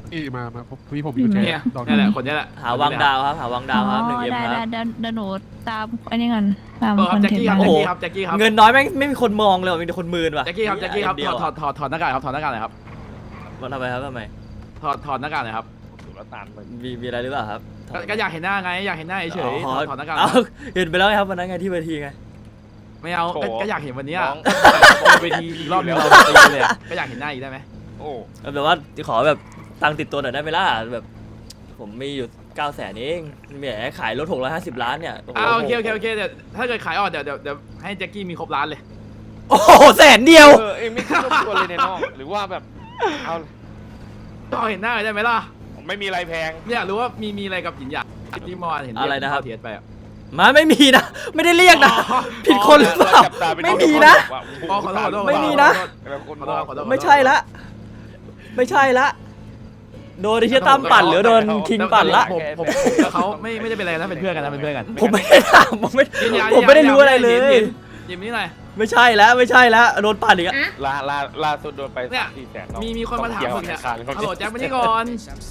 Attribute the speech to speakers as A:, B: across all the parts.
A: นี่มาพี่ผมมีกุญแจ
B: เนี่ย
A: ดอก
B: นี่แหละคนนี้แหละ
C: หาวังดาวครับหาวังดาวครับ1M
D: ได้
C: ครับ
D: เดี๋ยวหนูตามอันนี้ก่อนตาม
B: ค
D: ครับ อน
B: แจ็ค
D: เทน
B: กี้
D: ต์
B: ครับ
D: มา
C: โอ้โห
B: แจ็คกี้ครับ
C: เงินน้อยไม่มีคนมองเลยว่ะมีแต่คนมืนว่ะ
B: แจ็คกี้ครับถอดหน้ากากครับถอดหน้ากากหน่อยครับ
C: มันทำไมครับทำไม
B: ถอดหน้ากากหน่อยครับ
C: มีอะไรหรือเปล่าครับ
B: ก็อยากเห็นหน้าไงอยากเห็นหน้าเฉยๆถอดหน้ากาก
C: เอาเห็นไปแล้วครับวันนั้นไงที่เวทีไง
B: ไม่เอาก็อยากเห็นวันนี้เวทีอีกรอบนึงเราตีเลยก็อยากเห็นหน้าอีกได้ไหม
E: โอ้
C: แบบว่าขอแบบตังค์ติดตัวหน่อยได้ไหมล่ะแบบผมมีอยู่900,000เองแหมขายรถ650 ล้านเนี่ย
B: โอเคเดี๋ยวถ้าเกิดขายออกเดี๋ยวให้แจ็คกี้มีครบล้านเลย
C: โอ้โห100,000เดียว
E: เองไม่คิดรบกวนเลยในน้องหรือว่าแบบเอา
B: ก็เห็นหน้าได้ไหมล่ะ
E: ไม่มีอะไรแพง
B: ไม่อยากรู้ว่ามีอะไรกับหยินหยางที่เมื่อวานเห็นเทียดไปอ่ะ
C: มาไม่มีนะไม่ได้เรียกนะผิดคนหรือเปล่าไม่มีนะ
B: ขอโทษ
C: ไม่มีนะ ไม่ใช่ละไม่ใช่ละโดนไอ้เชี่ยตั้มปั่นหรือโดนคิงปั่นละ
B: ผมกับเขาไม่ได้เป็นอะไรนะเป็นเพื่อนกันนะเป็นเพื่อนกัน
C: ผมไม่ได้ถามผมไม่ได้รู้อะไรเลย
B: ยิมนี่หน่อย
C: ไม่ใช่แล้วโดนปั่นอีกอะ
E: ล่าสุดโดนไป
B: เนี่ย
E: 3-4 แสน
B: มีคนมาถามมึงเนี่ยฮัลโหลแจ็คมานี่ก่อน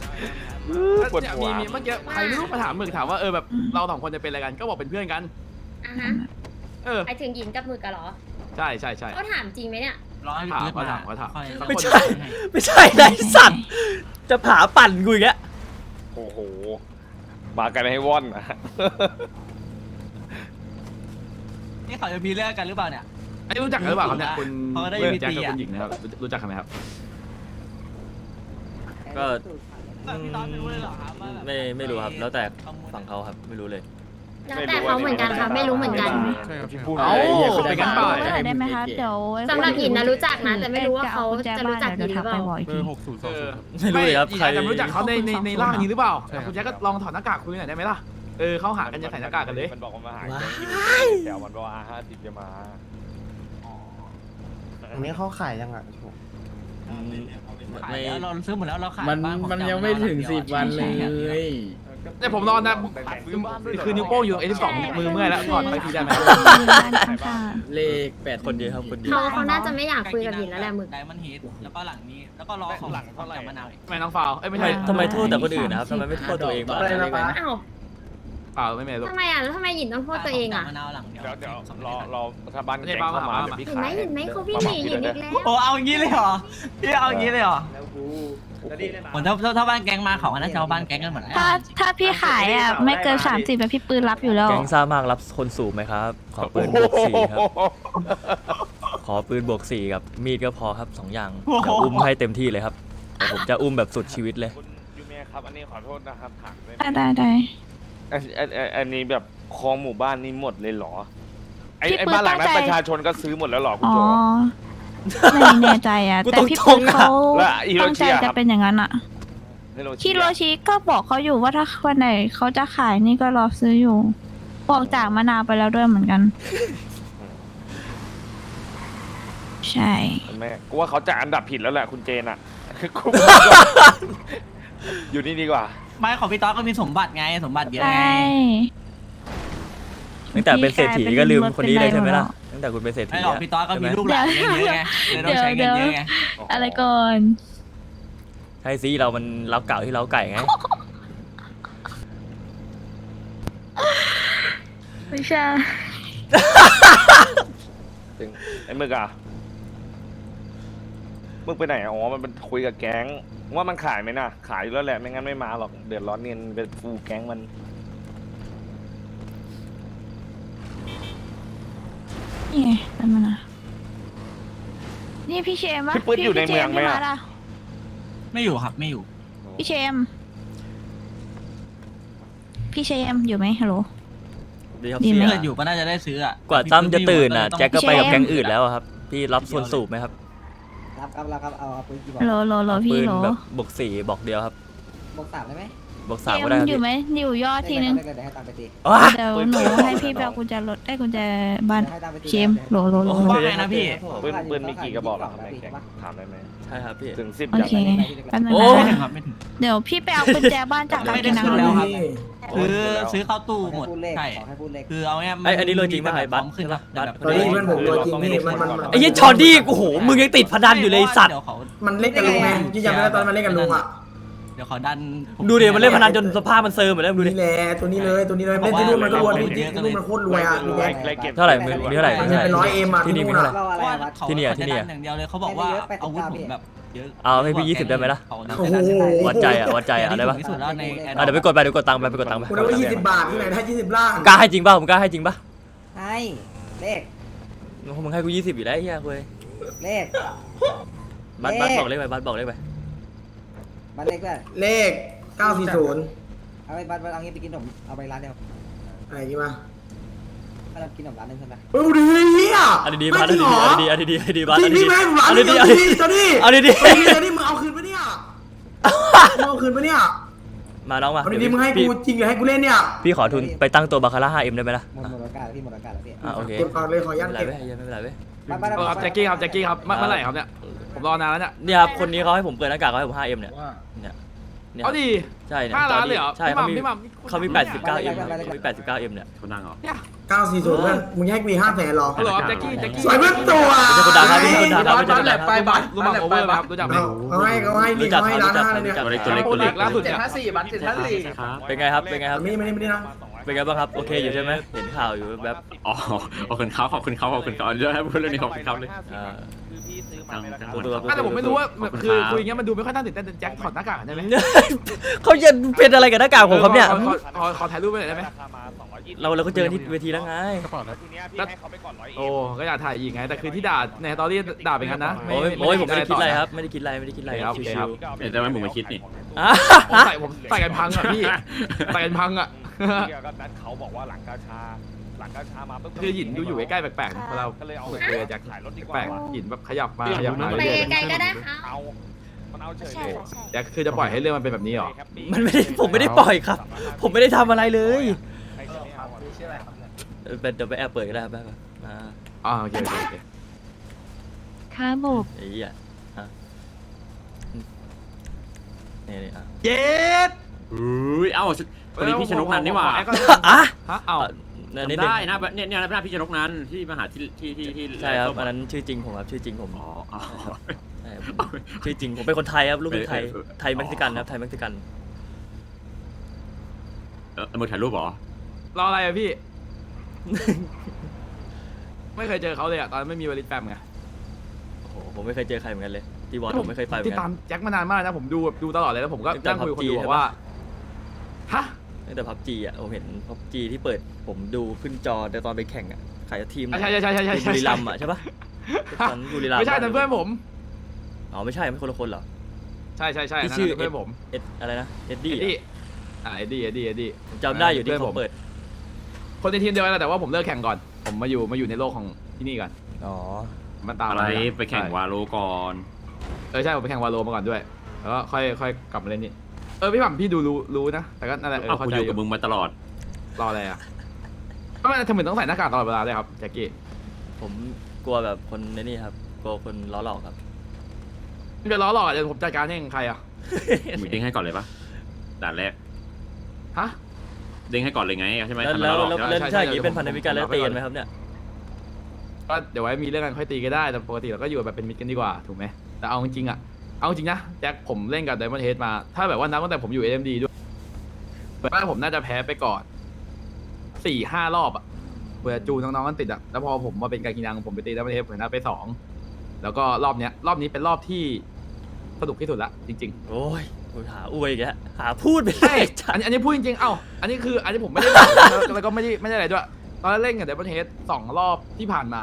B: มีเมื่อกี้ใครไม่รู้มาถามมึงถามว่าแบบเราสองคนจะเป็นอะไรกันก็บอกเป็นเพื่อนกัน
F: อ่ะฮะไปถึงหยินกับหมึกกันเหรอ
B: ใช่
F: เขาถามจริงไหมเนี่ย
B: ถามเขาถาม
C: ไม่ใช่ไรสัตว์จะผาปั่นกูอีกแล้ว
E: โอ้โหมากันให้ว่อนนะ
G: นี่เขาจะมีเรื่องกันหรือเปล่าเนี่ย
B: ไอ้รู้จักกันหรือเปล่าครับเนี่ยคุณ
G: เขาก็ได้
B: แจ็ค
G: UVT
B: กับคุณหญิงนะครับรู้จักกันไหมครับ
C: ก็
G: พี่ต๊อดไม่รู้เลยเหรอครับว่าแบบ
C: ไม่รู้ครับแล้วแต่ฝั่งเขาครับไม่รู้เลย
F: แล้วแต่เขาเหมือนกันค่ะไม่รู้เหมือนกัน
A: ใช่ครับ
E: พูด
B: เอ้าไปกันเปล่า
D: เมื่อไหร่ได้ไหมคะเดี๋ยว
F: สำหรับหยินนะรู้จักนะแต่ไม่รู้ว่าเขาจะรู้จักหยินหรือเปล่า
D: บอกอีก
A: เบ
D: ที
A: อร์6020
C: ไม่รู้เลยครับ
B: ใครจะรู้จักเขาในร่างนี้หรือเปล่า
A: ใช่ครับ
B: คุณแจ็คก็ลองถอดหน้ากากคุยหน่อยได้ไหมล่ะเขาหากันจะใส่หน้ากากกันเลย
E: มันบอกว่ามาหาแถวมันบอกว่า50จะมา
H: อันนี้เขาขายยังอ่ะ
G: ขายแล้วเราซื้อหมดแล้วเราขาย
I: มันยังไม่ถึง10 วันเลย
B: เนี่ยผมนอนนะคือนิ้วโป้งอยู่ตรง A12 มือเมื่อยแล้วถอดไปทีได้ไหม
I: เลข8
C: คนเดียวครับคนเดียว
F: เขาน่าจะไม่อยากคุยกับหยินแล้วแหละหมึก
G: ไดมอนด์เฮดแล้วก็หลังนี้แล้วก็รอของจากมะนาวอีก
B: ไม่น้องฟาวไม่ใช่
C: ทำไมโทษแต่คนอื่นนะครับทำไมไม่โทษตัวเองบ้าง
F: อ้าว
B: เปล่าไม่ลูก
F: ทำไมอ่ะแล้วทำไมหยินต้องโทษตัวเองอ่ะ
G: มะนาวหลังเดียว
E: เดี๋ยวรอถ้าบ้านแกงเข้ามาเดี๋ยวพี่
F: เห็น
E: ขาย
F: ไหมเขาพี่หนีหยินอีกแล้ว
G: โอ้เอาอย่างนี้เลยเหรอพี่เอาอย่างนี้เลยเหรอผมถ้าบ้านแก๊งมาเขาก็น่าจะเอาบ้านแก๊งกันหมดแล้ว
D: ถ้าพี่ขายไม่เกิน30แบบพี่ปืนรับอยู่แล้ว
C: แก๊งซ่ามากรับคนสูบไหมครับขอปืนบวก4ครับขอปืนบวก4กับมีดก็พอครับ2อย่างเดี๋ยวอุ้มให้เต็มที่เลยครับเดี๋ยวผมจะอุ้มแบบสุดชีวิตเลย
E: คุณยูเมียครับอันนี้ขอโทษนะครับถามได้ไหม
D: ได้
E: อันนี้แบบคลองหมู่บ้านนี้หมดเลยเหรอไอ้
D: พี่ปืน
E: บ้านหลังนั้น
D: ตั้งใจ
E: ประชาชนก็ซื้อหมดแล้วเหรอคุณ
D: อ๋อ
E: โจ
D: ไม่แน่ใจแต่พี่ปืนเขา
E: แล้วฮิโร
D: ตั้ง
E: ชิ
D: ใจ
E: อะค
D: จะ
E: รับ
D: เป็นอย่างนั้นอ่ะคิโรชิก็บอกเขาอยู่ว่าถ้าวันไหนเขาจะขายนี่ก็รอซื้ออยู่บอกจากมะนาวไปแล้วด้วยเหมือนกัน ใช่
E: แม่กูว่าเขาจะอันดับผิดแล้วแหละคุณเจนอ่ะ กูอยู่นี่ดีกว่า
G: ไม่ของพี่ต๊อดก็มีสมบัติไงสมบัติเยอะ
D: ใช่
G: ไง
C: ตั้งแต่เป็นเศรษฐีก็ลืมคนนี้เลยใช่ไหมล่ะตั้งแต่คุณเป็นเศรษฐี
G: ไม่หรอกพี่ต๊อดก็มีลูกหลานเยอะไงเลยต้องใช้เงินเยอะไง
D: อะไรก่อน
C: ใช่สิเรามันเล้าเก่าที่เล้าไก่ไง
D: ไม่ใช่
E: ถึงไอ้มึกอ่ะมึกไปไหนอ๋อมันคุยกับแก๊งว่ามันขายไหมน่ะขายอยู่แล้วแหละไม่งั้นไม่มาหรอกเดือดร้อนเงินเป็นฟูแก๊งมัน
D: นี่ไงเป็นมันนะนี่พี่เชมวะ
E: พี่ปื๊ดอยู่ในเมืองไหม
D: พี่
E: อ่ะ
D: มาล่ะ
G: ไม่อยู่ครับไม่อยู่
D: พี่เชมอยู่ไหมฮัลโหล
C: ดีครับ
D: ดี
C: เสี
D: ไหม
C: ย
G: ถ้าอยู่ก็น่าจะได้ซื้ออ่ะ
C: กว่าตั้มจะตื่นน่ะแจ็คก็ไปกับ
D: พี่เชม
C: แก๊งอื่นแล้วอะครับพี่รับส่วนสูบไหมครับ
H: รับเอาปืนกี่บอก
D: โหลพี่
C: ปืน
D: โหล
C: แบบบวก4บอกเดียวครับ
H: บอก3ได้ไหม
C: บวก
D: เช
C: 3
D: ม
C: ก็ได้ครับ
D: อยู่ไหมอยู่ยอดทีนึง
H: เดี๋ยวให้ตังค์ไปตี
C: ว้า
D: เดี๋ยวหนูให้พี่ไปเอากุญแจรถได้กุญแจบ้าน
H: ให้ตังค์ไปตี
D: เชมโหล
G: ว่าไงนะพี่
E: ปืนมีกี่กระบอกหรอครับในแก๊งถามได้ไหม
C: ใช่ครับพี่
E: ถึง10
D: โอ
E: อย่าง
D: เคแป๊บนึง
C: โอ้
G: ไม่ถึ
D: นะ
G: งครับไม่ถึง
D: เดี๋ยวพี่ไปเอากุญแจบ้านจากร้าน
G: ไม่ได้
D: กิน
G: ขึ้นแล้วครับ
E: โอ้
G: คื
E: ย
G: อซื้อเข้าตู้หมด
H: พูดเลข
G: ใช่
H: ขอให้พูดเลข
G: คือเอาเนี่ย
C: ไอ้อันนี้เลยจริงป่ะไอ้บัตร
G: ขึ้นครับ
C: บัตร
G: แบบ
H: ตอนนี้เพื่อนผมตัวจริงนี่มัน
C: ไอ้ยี่ชอดี้โอ้โหมึงยังติดพนันอยู่เลยไอ้สัตว์
G: เดี๋ยวเขา
H: มันเล่นกับลุงไงที่จำได้ตอนมันเล่นกับลุงอ่ะ
G: ดี๋ยวขอดัน
C: ดูดิมันเล่นพนันจนสภาพมันเซอร์หมดแล้วดูดิ
H: นี่แหละตัวนี้เลยเล่นที่นู่นมันก็รวยที่นู่นมันโคตรรวยอ่ะมีแก
C: เท่าไหร่มีเท่าไหร่
H: มันเป็นร้อยเอ็มอ่ะ
C: ที่นี่มีเท่าไหร่
H: เราอะไรวัด
C: ที่นี่อะ
G: เขาจะดัอย่างเดียวเลยเขาบอกว่าอาวุธผมแบบเยอะ
C: เอาให้พี่20ได้ไหมล่ะ
H: โอ้โห
C: วัดใจอ่ะได้ปะ
G: ที่สุดแล้วใน
C: เดี๋ยวไปกดตังค์ไปกดตังค์ไป
H: คุณเอาไป20 บาทที่ไหนได้20 ล้าน
C: กล้าให้จริงป่ะผมกล้าให้จริงป่ะ
H: ให้เลข
C: มึงให้กู20อยู่แล้วไอ้เหี้ยคุย
H: เลข
C: บัตบอกเลขไปบัตบอกเลขไป
H: บัตรเลขด้วยเลข940เอาไปบัตรเอางี้ไปกินขนมเอาไปร้านเดียวอะไรดีวะถ้าเรากินขนมร้านนึงใช่ไหมโอ้ดีเฮีย
C: อันนี้บัตอันนี้บัต
H: จริงพี่แม่ร้านนี้ตัวนี้
C: เอาดี
H: ตัวนี้มึงเอาคืนปะเนี่ยเอาคืนปะเนี่ย
C: มาน้องมา
H: เอาดีมึงให้กูจริงหรือให้กูเล่นเนี่ย
C: พี่ขอทุนไปตั้งตัวบาคาร่า 5M ได้ไหมล่ะ
H: หมดโอกาสพี่หมดโอกาสแล้วพี่
C: โอเค
H: เก็บก่อนเลยขอยัน
C: ไม่เป็นไร
H: เก็บ
C: เว้ยไม่เป็นไรเว้ย
B: ครับแจ็คกี้ครับเมื่อไหร่ครับเนี่ยผมรอนานแล้วเนี่ย
C: เนี่ยครับคนนี้เขาให้ผมเปิดหน้ากากเขาให้ผม 5M เนี่ยเนี่ย
B: เอาดี
C: ใช่เนี่ย
B: 5 ล้านเลยเหรอ
C: ใช่
B: พี่หม่ำ
C: เขามี 89M เขามี 89M เนี่ย
A: คนดังเหรอ
H: 940เพื่อนมึงให้กู500,000หรอ
B: ฮัลโหลครับแจ็คกี้
H: สวยเพื่อนตัว
C: ไม่ใช่คนดังครับไม่ใช่คนดังครับไม่ใช่คนดังครับ
B: รู้มั้งโอเวอร์ไหมครับรู้จักไหม
H: เขาให้นี่เขาให้ร้าน5เลยเนี่ย
B: โปรเจกต์ล่าสุดเนี่ย
C: เป็นไงครับเป็นไงครับ
H: ไม่นะ
C: เป็นไงบ้างครับโอเคอยู่ใช่ไหมเห็นข่าวอยู่แบบ
A: อ๋อขอบคุณเขาเยอะให้พูดเรื่องนี้ขอบคุณเขาเลย
E: คือพี่ซื้อมาไม่ราคา
B: แต่ผมไม่รู้ว่าคือคุยอย่างเงี้ยมันดูไม่ค่อยน่าตื่นเต้นแจ็คถอดหน้ากากใช่ไหม
C: เขาจะเป็นอะไรกับหน้ากากผมครับเนี่ย
B: ขอถ่ายรูปไปหน่อยได้ไหม
E: ราคามา220
C: เราก็เจอกันที่เวทีแล้วไง
A: กระเป๋าแล้ว
E: ทีเนี้ยพี่ให้เขาไปก่อน100
B: โอ้ก็อยากถ่ายอีกไงแต่คือที่ด่าในตอรี่ด่าเป็นงั้นนะ
C: โอ้ยผมไม่ได้คิดอะไรครับไม่ได้คิดอะไรชิว
A: เดี๋ยวจะไม่ผมมาคิดนี่
C: ๆอ่ะ
B: ผมใส่กันพังอ่ะพี่ใส่กันพังอ่ะ
E: เกี่ยวกับนั้นเขาบอกว่าหลังกาชามาปุ๊บ
B: คือหยินอยู่ใกล้ๆแปลกๆเรา
E: ก็เลยเอา
B: คุยกับแจ็ค
E: ขายรถดีกว่า
B: แปลกหยินแบบขยับมาขยับมา
F: ไป
B: เรื่อย
F: ไกลๆก็ได้ค่ะ
E: เอามันเอาเฉยเลย
B: ๆแจ็คคือจะปล่อยให้เรื่องมันเป็นแบบนี้หรอ
C: มันไม่ได้ผมไม่ได้ปล่อยครับ ผมไม่ได้ทำอะไรเลย
E: ใครจะไม่เอาอะ
C: เดี๋ยวไปแอบเปิดก็ได้ครับได้ป่ะ
B: โอเค
D: ค้าโบก
C: ไอ้เหี้ยอ่ะนี่อ่ะ
B: เย็ด
A: อุ้ยเอ้าวันนี้พี่ชนกนันนี่หว่า
C: อ่ะ
B: ฮะเอา
C: นี่
A: ได้นะเนี่ยหน้าพี่ชนกนันที่มาหาที่
C: ใช่ครับอันนั้นชื่อจริงผมครับชื่อจริงผม
A: อ๋อ
C: ใช่ผมชื่อจริงผมเป็นคนไทยครับลูกเป็นไทยเม็กซิกันครับไทยเม็กซิกัน
A: มือถ่ายรูปเหรอ
B: รออะไรอะพี่ ไม่เคยเจอเขาเลยอะตอนไม่มีวลิตแฟมไง
C: โอ้โหผมไม่เคยเจอใครเหมือนกันเลยที่บอลผมไม่เคยไปเหมื
B: ติ
C: อ
B: ด
C: นกั
B: ตาม
C: น
B: แจ็คมานานมากนะผมดูตลอดเลยแล้วผมก็
C: ตั้งแต่
B: นั่งคุยกับคนดู
C: PUBG
B: บอกว่าฮะ
C: ตั้งแต่พับจีอ่ะผมเห็นพับจีที่เปิดผมดูขึ้นจอแต่ตอนไปแข่งอ่ะขายทีม
B: ใช่
C: บุรีรัมย์อ่ะใช่ปะตอนบุรีรัมย์
B: ไม่ใช่นั่นเพื่อนผม
C: อ๋อไม่ใช่ไม่คนละคนเหรอ
B: ใช่
C: ที่
B: นั่น
C: ชื่อ
B: เพื่อนผม
C: เอ็ดอะไรนะเอ็ด
B: เอ็
C: ดี้
B: ดดี้เอ็ดดี้
C: ผมจำได้อยู่ที่
B: เพื่อนผม
C: เขาเปิด
B: คนในทีมเดียวกันแหละแต่ว่าผมเลิกแข่งก่อน ผมมาอยู่ในโลกของที่นี่ก่อน
C: อ๋อ
B: มันตาม
A: อะไร
B: มา
A: ไปแข่งวาโลก่อน
B: ใช่ผมไปแข่งวาโลมาก่อนด้วยแล้วก็ค่อยกลับมาเล่นนี่พี่หม่ำพี่ดูรู้นะแต่ก็นั่นแหละ
A: อ้าว
B: เข้า
A: กู
B: ใจ
A: อยู่
B: อ
A: กับ
B: ยู่
A: มึงมาตลอด
B: รออะไรอ่ะก็ไม่ทำไมต้องใส่หน้ากากตลอดเวลาเลยครับแจ็คกี้
C: ผมกลัวแบบคนในนี่ครับกลัวคนล้อหลอกครับ
B: ไม่จะล้อหลอกอ่ะเดี๋ยวผมจัดการให้ใครอ่ะ
A: มึงเด้งให้ก่อนเลยปะด่านแรก
B: ฮะ
A: เด้งให้ก่อนเลยไงใช่ไหม
C: แล้ว
A: ทำไมเราหลอก
C: แล้ว
A: ใช่ไหม
C: ใช่อย่างนี้เป็นพันธมิตรกันแล้วตีกันไหมครับเนี่ย
B: ก็เดี๋ยวไว้มีเรื่องกันค่อยตีก็ได้แต่ปกติเราก็อยู่แบบเป็นมิตรกันดีกว่าถูกไหมแต่เอาจริงๆอ่ะเอาจริงนะแจ็คผมเล่นกับ Diamond Head มาถ้าแบบว่านับตั้งแต่ผมอยู่ AMD ด้วยว่าผมน่าจะแพ้ไปก่อน 4-5 รอบอ่ะเพื่อจูน้องๆกันติดอ่ะแล้วพอผมมาเป็นการกินังผมไปตี Diamond Head ผมชนะไป2แล้วก็รอบนี้เป็นรอบที่สนุกที่สุดละจริงๆ
C: โอ้ยกูหาอวยอีกแล้วหาพูดไปเล
B: ใช่
C: ย
B: อันนี้พูดจริงๆ อันนี้ผมไม่ได้แล้วก็ไม่ได้อะไรด้วย ตอนเล่นกับเดบันเฮด2 รอบที่ผ่านมา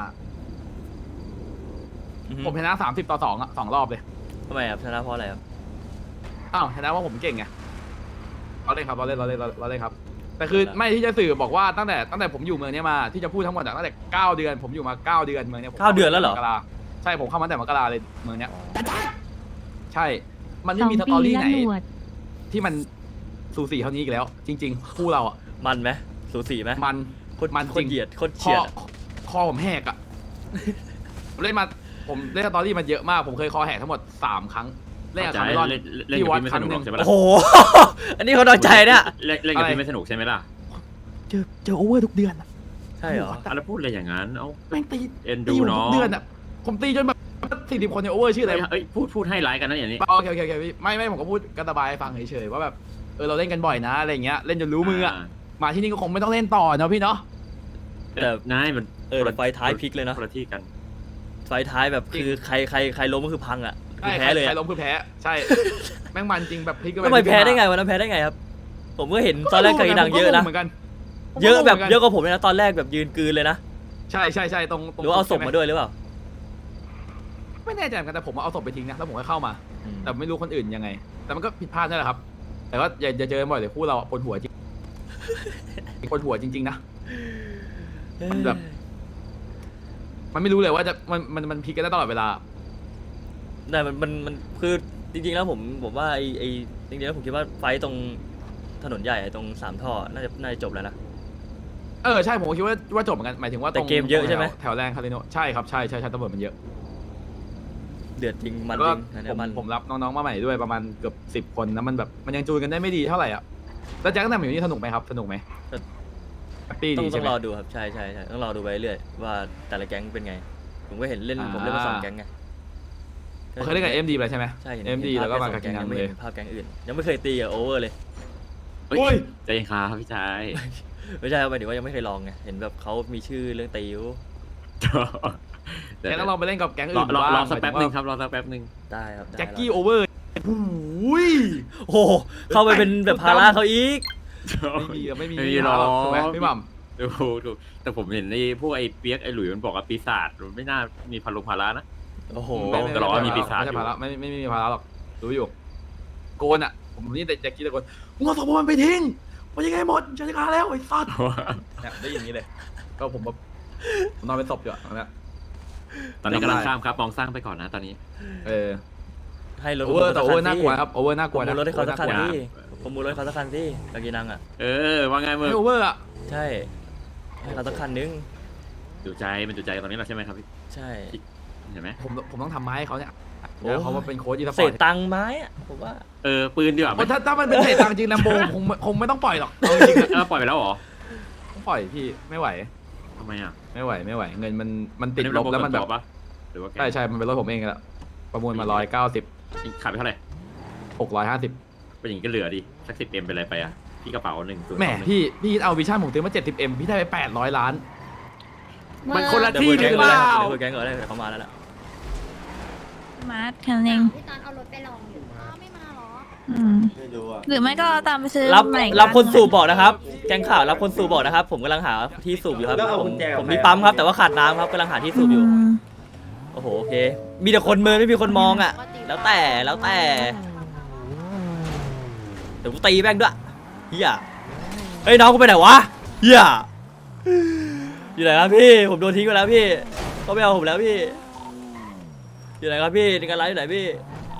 B: ผมชนะ30-2อ่ะ2 รอบเลย
C: ทำไมครับชนะเพราะอะไรครับ
B: ชนะว่าผมเก่งไงเราเล่นครับแต่คือไม่ที่จะสื่อบอกว่าตั้งแต่ผมอยู่เมืองนี้มาที่จะพูดทั้งหมดตั้งแต่9 เดือนผมอยู่มา9 เดือนเมืองนี้
C: 9 เดือนแล้วเหรอ
B: ใช่ผมเข้ามาแต่มกราเลยเมืองนี้ใช่ มันไม่
D: 2
B: มีส
D: ปี
B: ตอรี่
D: ละ
B: ไหน
D: หนวด
B: ที่มันสูสีเท่านี้อีกแล้ว จริงๆคู่เราอ่ะ
C: มันไหมสูสีไหม
B: มัน
C: โคตร
B: มัน
C: โค
B: จ
C: ต
B: ริ
C: รง เหยียดโคตร
B: ค
C: เฉีย
B: อ
C: ดอะ
B: คอผมแหกอ่ะ ผมเล่นสตอรี่มาเยอะมาก ผมเคยคอแหกทั้งหมด3 ครั้ง เล่นกับ
A: ใจ
B: คาร์เมลอน
A: เล่น
B: ที่
A: กับ
B: วัด
A: พี่ไม่
B: ค
A: ส
B: รั้ง
A: นุก
B: ห
A: หร
B: นึ่
A: อก
B: ง
A: ใช่ไหม
C: โอ้
A: ล่ะ
C: โห อันนี้เขาน้อยใจเนี่ย
A: เล่นกับพี่ไม่สนุกใช่ไหมล่ะ
B: เจอโอเวอร์ทุกเดือนอะ
C: ใช่เหรอ
A: แล้วพูดอะไรอย่างนั้นเอ้า
B: แม่งตี
A: เอ็น
B: ตี
A: ดู
B: ผม
A: น้
B: ทุ
A: อก ง
B: เดือนอ่ะผมตีจนแบบ 40 คนเนี่ยโอเวอร์ชื่ออะไร
A: เอ้ยพูดให้ร้ายกันนะอย่างนี้
B: โอเคพี่ไม่ผมก็พูดกระบายให้ฟังเฉยๆว่าแบบเราเล่นกันบ่อยนะอะไรเงี้ยเล่นจนรู้มืออะมาที่นี่ก็คงไม่ต้องเล่นต่อเนาะพี่เนาะ
C: แต่
A: นายมัน
C: แต่ไฟท้ายพลิกเลยนะ
A: คนละที่กัน
C: ไฟท้ายแบบคือใครล้มก็คือพังอ่ะคือ
B: ใช่
C: แพ้เลย
B: ใคร
C: อะ
B: ล้มคือแพ้ใช่ แม่งมันจริงแบบพลิกก็
C: ทำไมแพ้ได้ไงวันนั้นแพ้ได้ไงครับ ผมก็เห็นตอนแรกกากีนังเยอะนะ
B: เหมือนกัน
C: เยอะแบบเยอะกว่าผมเลยนะตอนแรกแบบยืนกลืนเลยนะ
B: ใช่ตรง
C: หรือว่าเอาศพมาด้วยหรือเปล่า
B: ไม่แน่ใจเหมือนกันแต่ผมเอาศพไปทิ้งนะแล้วผมก็เข้ามา
C: อืม
B: แต่ไม่รู้คนอื่นยังไง แต่มันก็ผิดพลาดนั่นแหละครับ แต่ก็อย่าเจอกันบ่อยเลยคู่เราปวดหัวจริงปวดหัวจริงๆนะมันแบบมันไม่รู้เลยว่าจะมันพลิกกันได้ตลอดเวลา
C: แต่มันคือจริงๆแล้วผมว่าไอจริงๆแล้วผมคิดว่าไฟต์ตรงถนนใหญ่ตรง3 ท่อน่าจะจบแล้วนะ
B: ใช่ผมก็คิดว่าจบเหมือนกันหมายถึงว่า
C: แต่เกมเยอะใช่ไหม
B: แถวแรงคาริโนใช่ครับใช่ตำรวจมันเยอะ
C: เดือดจริงมัน
B: แล้ว
C: จ
B: ก็
C: ริงอันเนี้ยมัน
B: ผมรับน้องๆมาใหม่ด้วยประมาณเกือบ10 คนนะมันแบบมันยังจูนกันได้ไม่ดีเท่าไหร่อ่ะแล้วแจ็คตั้งแต่อยู่นี่สนุกไหมครับสนุกไหมแฮปปี้
C: ต้อ
B: ดี
C: ง
B: ใช่ไหม
C: รอดูครับใช่ต้องรอดูไปเรื่อยว่าแต่ละแก๊งเป็นไง ผมก็เห็นเล่น
B: อ่า
C: ผมเล่นมา2 แก๊งไง
B: เคยเล่นกับเอ็มดีไปใช่ไหม
C: ใช่เห็น
B: เอ็มดี
C: ห็น
B: แล้วก็
C: ภ
B: มา
C: พ
B: กับ
C: แค่
B: กิ
C: สอง
B: นัง
C: แก๊ง
B: เล
C: ยัง
B: ย
C: ไม่เห็นภาพแก๊งอื่น ยังไม่เคยตีกับโอเวอร์เลย
A: เฮ้ย
B: โอ้ย
A: ใจเย็นครับพี่ชาย
C: ไม่ใช่ครับหมายถึงว่ายังไม่เคยลองไงเห็นแบบเขามีชื่อเรื่องตีอยู่
B: แกต้องลองไปเล่นกับแก๊ง
A: ร
B: อื่
A: อน รอ
B: บ้าง
A: รอสักแป๊บหนึ่งครับรอสักแป๊บหนึ่ง
C: ได้ครับได้
B: แจ็คกี้
C: ร
B: โอเวอร์โอ้ย
C: โอ้โหเข้าไปเป็นแบบภาระเขาอีก
B: ไม่มี
A: ไม่มีหรอก
B: ถูกไหมพี่หม่
A: ดูแต่ผมเห็นพวกไอ้เปียกไอ้หลุยมันบอกว่าปีศาจมันไม่น่ามีพารานะ
C: โอ้โห
B: ำ
A: บอกตลอดว่ามีปีศาจ
B: ไม่ใช่ภาระไม่มีภาระหรอกรู้อยู่โกนอ่ะผมนี่แต่แจ็คกี้ตะโกนมึงเอาศพมันไปทิ้งมันยังไงหมดจะได้การแล้วไอ้สัตว์เนี่ยได้อย่างนี้เลย ก็ผมแบบนอนเป็นศพอยู่อะตอนเนี้ย
A: ตอนนี้กำลังข้ามครับมองสร้างไปก่อนนะตอนนี้
C: ให้รถ
B: โอเวอร์แต่โอเวอร์น่ากลัวครับโอเวอร์น่าก
C: ผ
B: ลัว
C: ม
B: นะ
C: มูลรถให้เขาสักคัน
B: โอวอร์
C: ที่ผมมูลรถให้เขาสักคันที่กากีนังอ่ะ
A: ว่าไงมึง
B: ไม่โอเวอร์อ่ะ
C: ใช่ให้เขาสักคันนึง
A: ดูใจมันดูใจตอนนี้เราใช่ไหมครับพี่
C: ใช่
A: เห็นไหม
B: ผมต้องทำไม้ให้เขาเนี่ย
C: โอ้
B: แล้วเขามาเป็นโค้ชอีสป
C: เศ
B: อร์
C: ษ
B: ต
C: ตังค์ไม้อะผมว่า
A: ปืนดีกว่าไหม
B: ถ้ามันเป็นเศษตังค์จริงแลมโบคงไม่ต้องปล่อยหรอกเอาจริงๆอะ
A: ปล่อยไปแล้วเหรอ
B: ต้องปล่อยพี่ไม่ไหว
A: ทำไมอ่ะ
B: ไม่ไหวเงินมันติดลบแล้วมันแบบ
A: ปะหรือว่า
B: ใช่มันเป็นรถผมเองแหละประมูลมา190
A: ขายไปเท่าไหร่
B: 650
A: เป็นอย่างนี้ก็เหลือดิสัก10M เป็นอะไรไปอ่ะพี่กระเป๋า1
B: แหมพี่เอาวิชั่นผมซื้อมา 70M พี่ได้ไป800 ล้าน มันคนละ
C: เดี๋ยว
B: ที่
C: เปิด
B: ห
C: แก๊
B: รื
C: ง
B: อ
C: ก่อน
B: เป
C: เลย
B: ล่า
C: เดี๋ยวเปิดแก๊งก่อนเลยเดี๋ยวเขามาแล้วล่ะ
D: มาร์ทแค่นั้นเอง
F: พี่ตอนเอารถไปลองอยู่
D: อืมหรือไม่ก็ตามไปซื้อ
C: รับ
D: ใหม่
C: รับคนสูบบอกนะครับ แก๊งข่าวรับคนสูบบอกนะครับ ผมกำลังหาที่สูบอยู่ครับผมมีปั๊มครับแต่ว่าขาดน้ำครับกำลังหาที่สูบอยู่
D: ม
C: โอ้โหโอเค มีแต่คนเมินไม่มีคนมองอ่ะ แล้วแต่เดี๋ยวกูตีแม่งด้วยเฮียเฮ้ยน้องกูไปไหนวะเฮียอยู่ไหนครับพี่ผมโดนทิ้งไปแล้วพี่เขาไม่เอาผมแล้วพี่อยู่ไหนครับพี่ในการไลฟ์อยู่ไหนพี่